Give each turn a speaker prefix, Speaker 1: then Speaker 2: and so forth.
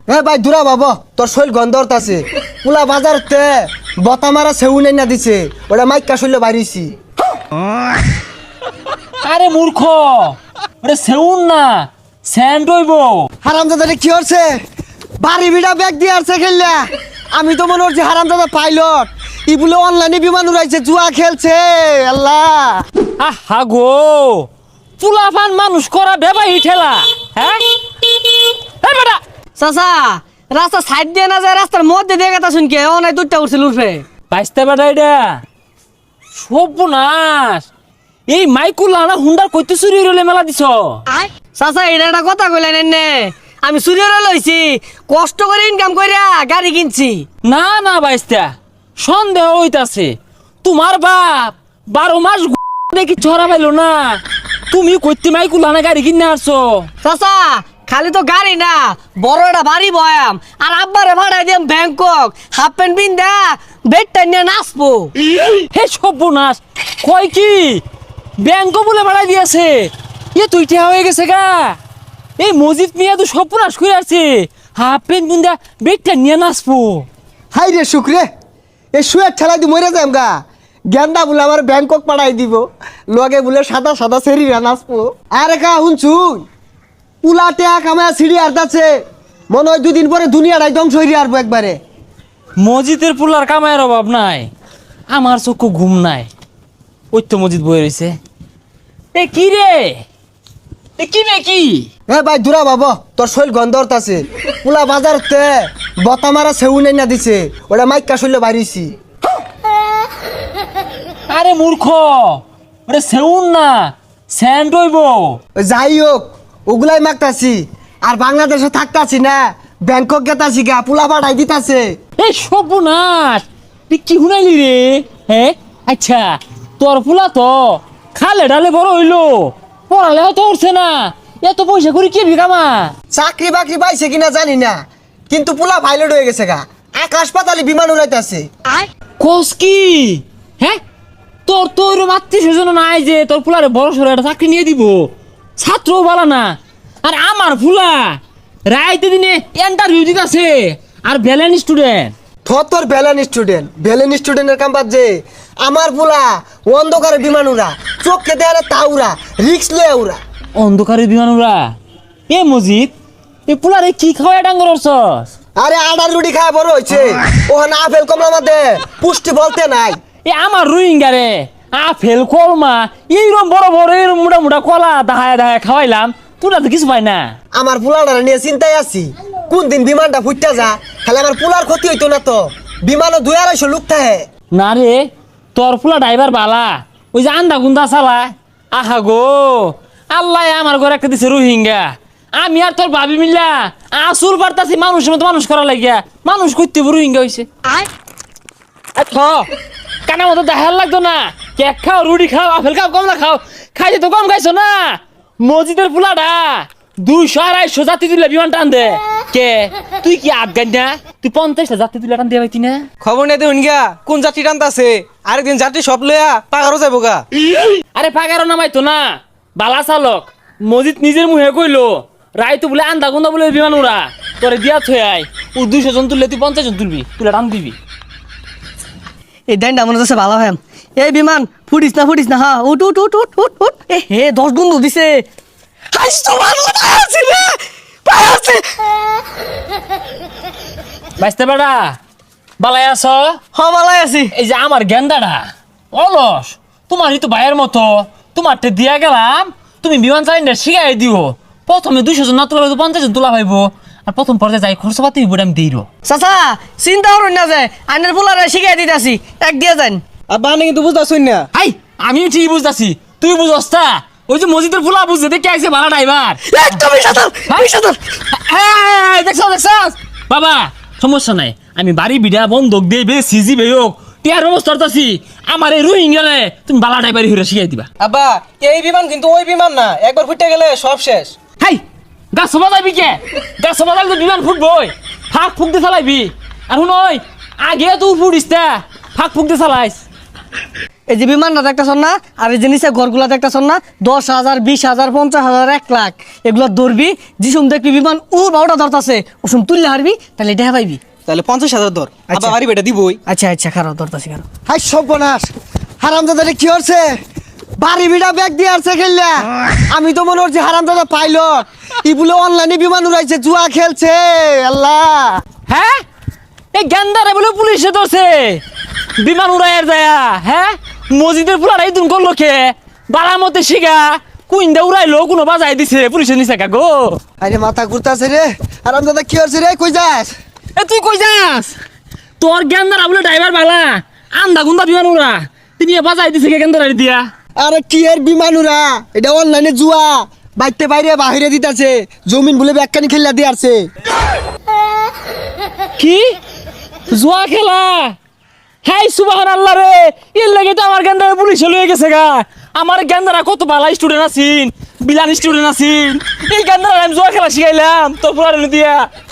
Speaker 1: এ ভাই দূরা বাবা তোর শৈল গন্ধরত আছে পুলা বাজারতে বতা মারা সেউ নাই না দিছে ওটা মাইকা শৈল বাড়িছি।
Speaker 2: আরে মূর্খ, ওরে সেউন না স্যান্ড হইব।
Speaker 1: হারামজাদা কি হচ্ছে বাড়ি বিড়া ব্যাগ দিয়ে আসছে খেললা। আমি তো মনে হচ্ছে হারামজাদা পাইলট ই বলে অনলাইনে বিমান উড়াইছে জুয়া খেলছে। আল্লাহ
Speaker 2: আহা গো, চুলাফান মানুষ করা বেবাই ঠেলা। হ্যাঁ বেটা
Speaker 3: চাচা রাস্তা সাইড দিয়ে না যায় রাস্তার মধ্যে দিয়ে গেতা শুনকে ও নাই দুধটা উঠছিল উঠবে
Speaker 2: বাইসতে বেটা এটা সর্বনাশ। এই মাইকুলা না হুন্ডার কইতে চুরি হইলে মেলা দিছ।
Speaker 3: চাচা এটা একটা কথা কইলেন নে আমি চুরিরে লইছি কষ্ট করে ইনকাম কইরা গাড়ি কিনছি।
Speaker 2: না না বাইস্তা, সন্দেহ হইতাছে তোমার বাপ 12 মাস দেখি ছড়া পাইলো না, তুমি কইতে মাইকুলা না গাড়ি কিনে আসছো।
Speaker 3: চাচা খালি তো গাড়ি না বড় একটা বাড়ি বয়াম আর আব্বারে ভাড়াই দিম ব্যাংকক হাফ প্যান্ট পিন্দা বেডটা নিয়ে নাচবো।
Speaker 2: হে সর্বনাশ, কয় কি ব্যাংক বলে বাড়াই দিয়েছে? এ তুই ঠেয়া হয়ে গেছে গা। এই মসজিদ মিয়া তো সর্বনাশ করে আছে, হাফ প্যান্ট বুন্দা বেগটা নিয়ে নাচবো।
Speaker 1: হাই রে শুক্রে এ শুয়ে ঠেলা দি মরে যাম গা। গেন্দা বলে আমার ব্যাংকক পাঠাই দিব লগে বলে সাদা সাদা সেরিরা নাচবো। আরে কা শুনছুন পুলা টেয়া কামায় সিঁড়ি আর্দাচ্ছে মনে হয় দুদিন পরে দুনিয়াটাই ধ্বংস হয়ে আসবো একবারে।
Speaker 2: মসজিদের পুলার কামায়ের অভাব নাই, আমার চক্ষু ঘুম নাই। ওই তো মসজিদ বয়ে রয়েছে। এ কি রে, এ কি রে কি?
Speaker 1: এ ভাই দূরা বাবা তোর শৈল গন্ধরত আছে পুলা বাজারতে বতা মারা সেউ নাই না দিছে ওটা মাইকা শৈল বাড়িছি।
Speaker 2: আরে মূর্খ, ওরে সেউন না স্যান্ড হইব।
Speaker 1: যাই হোক ওগুলাই মাগতাছি আর বাংলাদেশে থাকতাছি না ব্যাংকক গেতাছি গা পুলা পাঠাই দিতাছে।
Speaker 2: এই সর্বনাশ, তুই কি শুনাইলি রে? হ্যাঁ আচ্ছা, তোর ফুলা তো খালে ডালে বড় হইলো, পড়ালেও তো উঠছে না, এত পয়সা করে কি বিকামা?
Speaker 1: চাকরি বাকরি পাইছে কিনা জানি না কিন্তু পুলা পাইলট হয়ে গেছে গা, আকাশ পাতালে বিমান উড়াইতাছে।
Speaker 2: কোস কি? হ্যাঁ তোর তো ওইরকম আত্মীয় স্বজন নাই যে তোর ফুলারে বড় সড়ো একটা চাকরি নিয়ে দিব, ছাত্রও বলা না। আর আমার ফুলা রাইতে দিনে ইন্টারভিউ দিতেছে আর ব্যালেন্স স্টুডেন্ট।
Speaker 1: তোর ভ্যালেন স্টুডেন্টের কাম বাদ যে আমার পুলা অন্ধকারে বিমান উড়া চোখকে দেয়ালে তা উড়া রিক্স লয়ে উড়া।
Speaker 2: অন্ধকারে বিমান উড়া? এ মজিদ, এ পুলারে কি খাওয়া ডাঙ্গর অর্চস?
Speaker 1: আরে আডার রুটি খায় বড় হয়েছে ওখানে আপেল কমলা মধ্যে পুষ্টি বলতে নাই।
Speaker 2: এ আমার রোহিঙ্গা রে আপেল কলমা এইরকম বড় বড় এরকম মোটা মোটা কলা দাহায় দাহায় খাওয়াইলাম, তোরা তো কিছু পাই না।
Speaker 1: আমার পুলাটা নিয়ে চিন্তায় আছি কোন দিন বিমানটা ফুটতে যা, খালি আমার পুলার ক্ষতি হইতো না তো। বিমানও 2-250 লোক থাকে।
Speaker 2: না রে, তোর ফুলা ড্রাইভার বালা, ওই যে আন্দা গুন্দা চালা। আহা গো, আল্লাহ আমার ঘরে একটা দিছে রোহিঙ্গা, আমি আর তোর ভাবি মিল্লা আসুর বার্তাছি মানুষের মতো মানুষ করা লাগিয়া মানুষ করতে রোহিঙ্গা হয়েছে। কানা মতো দেখার লাগতো না, কেক খাও রুটি খাও আপেল খাও কমলা খাও, খাইছে তো কম খাইছো না। মসজিদের ফুলাটা 200-250 যাত্রী তুলে বিমান টান দে। কে তুই কি আফগান না? তুই 50টা যাত্রী তুলে টান দিয়ে পাইতি না?
Speaker 4: খবর নেই দেখুন গা কোন যাত্রী টানতাছে, আরেকদিন যাত্রী সব লইয়া পাগারও যাবো গা।
Speaker 2: আরে পাগারও নামাইতো না, বালা চালক মসজিদ নিজের মুহে কইলো রায় তো বলে আন্দা গুন্দা বলে বিমান উড়া তোরে দিয়া থই আই, ও 200 জন তুললে তুই 50 জন তুলবি, তুলে টান দিবি।
Speaker 3: এই দেনটা মনে হচ্ছে ভালো হয়। এই বিমান ফুটিস না হ্যাঁ উঠ উঠ উঠ উঠ উঠ উঠ। এ হে 10 গুণ দিছে।
Speaker 2: বাইসতে বেড়া বালাই আছ?
Speaker 3: হ্যাঁ ভালাই আছি।
Speaker 2: এই যে আমার গেন্দাটা অলস, তোমারই তো ভাইয়ের মতো, তোমারটা দিয়া গেলাম, তুমি বিমান চালিনা শিখাই দিও। প্রথমে 200 জন না তোলা 50 জন তোলা পাইবো, আর প্রথম পর্যায়ে যাই খরচ পাতি হইব আমি দিই।
Speaker 3: চাচা চিন্তা করুন না যে আইনের পোলারে শিখাই দিতেছি এক দিয়ে যান।
Speaker 4: আর বানে কিন্তু বুঝতেছুন না।
Speaker 2: আই আমি ঠিক বুঝতাছি, তুই বুঝস তা? ওই যে মসজিদের ফুলা বুঝতে দেখে আইছে ভাড়া ড্রাইভার।
Speaker 3: একদমই সাঁতার সাঁতার।
Speaker 2: দেখছ বাবা, সমস্যা নাই, আমি বাড়ি বিড়া বন্ধক দিয়ে বে সিজি বে হোক টিয়ার ব্যবস্থা করতেছি। আমার এই রোহিঙ্গারে তুমি বালা ড্রাইভারি হইরা শিখাই দিবা।
Speaker 4: আব্বা এই বিমান কিন্তু ওই বিমান না, একবার ফুটে গেলে সব শেষ।
Speaker 2: হাই গাছ বাজাবি কে? গাছ বাজালে তো বিমান ফুটবই, ফাঁক ফুক দিয়ে চালাইবি। আর শুন ওই আগে তুই ফুটিস তা ফাঁক ফুক দিয়ে চালাইস।
Speaker 3: এই যে বিমানটা দেখতেছন না, আর এই যে নিচে ঘরগুলা দেখতেছন না, 10,000, 20,000, 50,000, 1 লাখ এগুলো ধরবি। যিসুম দেখবি বিমান বারোটা ধরতাছে, ওসুম তুললে হারবি, তাহলে দেখা পাইবি।
Speaker 4: তাহলে 50,000 ধর,
Speaker 3: আচ্ছা।
Speaker 4: আবার বাড়ি বেটা দিবই।
Speaker 3: আচ্ছা খারাপ ধরতাছি খারাপ।
Speaker 1: হাই সর্বনাশ, হারামজাদা কি হচ্ছে? বাড়ি বিড়া ব্যাগ দিয়ে আসছে খেললা। আমি তো মনে হচ্ছে হারামজাদা পাইলট, ই বলে অনলাইনে বিমান উড়াইছে, জুয়া খেলছে। আল্লাহ,
Speaker 2: হ্যাঁ এই গেন্দারে বলে পুলিশে ধরছে বিমান উড়াইয়ার যায়া। হ্যাঁ মসজিদের পুলার এই দুন করলো কে বালার মধ্যে শিখা কুইন্দা উড়াইলো, কোনো বাজাই দিছে পুলিশে নিছে কা গো।
Speaker 1: আরে মাথা ঘুরতাছে রে। হারামজাদা কি হচ্ছে রে? কই যাস?
Speaker 2: এ তুই কই যাস? তোর গেন্দারা বলে ড্রাইভার বালা আন্দা গুন্দা বিমান উড়া, তিনি বাজাই দিছে কে গেন্দারা দিয়া।
Speaker 1: আরে কি এর বিমান উড়া? এটা অনলাইনে জুয়া, বাইতে বাইরে বাহিরে দিতাছে, জমিন বলে ব্যাগখানি খেললা দিয়ে আসছে।
Speaker 2: কি জুয়া খেলা? হাই সুবহানাল্লাহ রে, এর লাগে তো আমার গেন্দারা পুলিশে লয়ে গেছে গা। আমার গেন্দারা কত ভালো স্টুডেন্ট আছিন, বিলান স্টুডেন্ট আছিন, এই গেন্দারা আমি জুয়া খেলা শিখাইলাম তোর পুরানো দিয়া।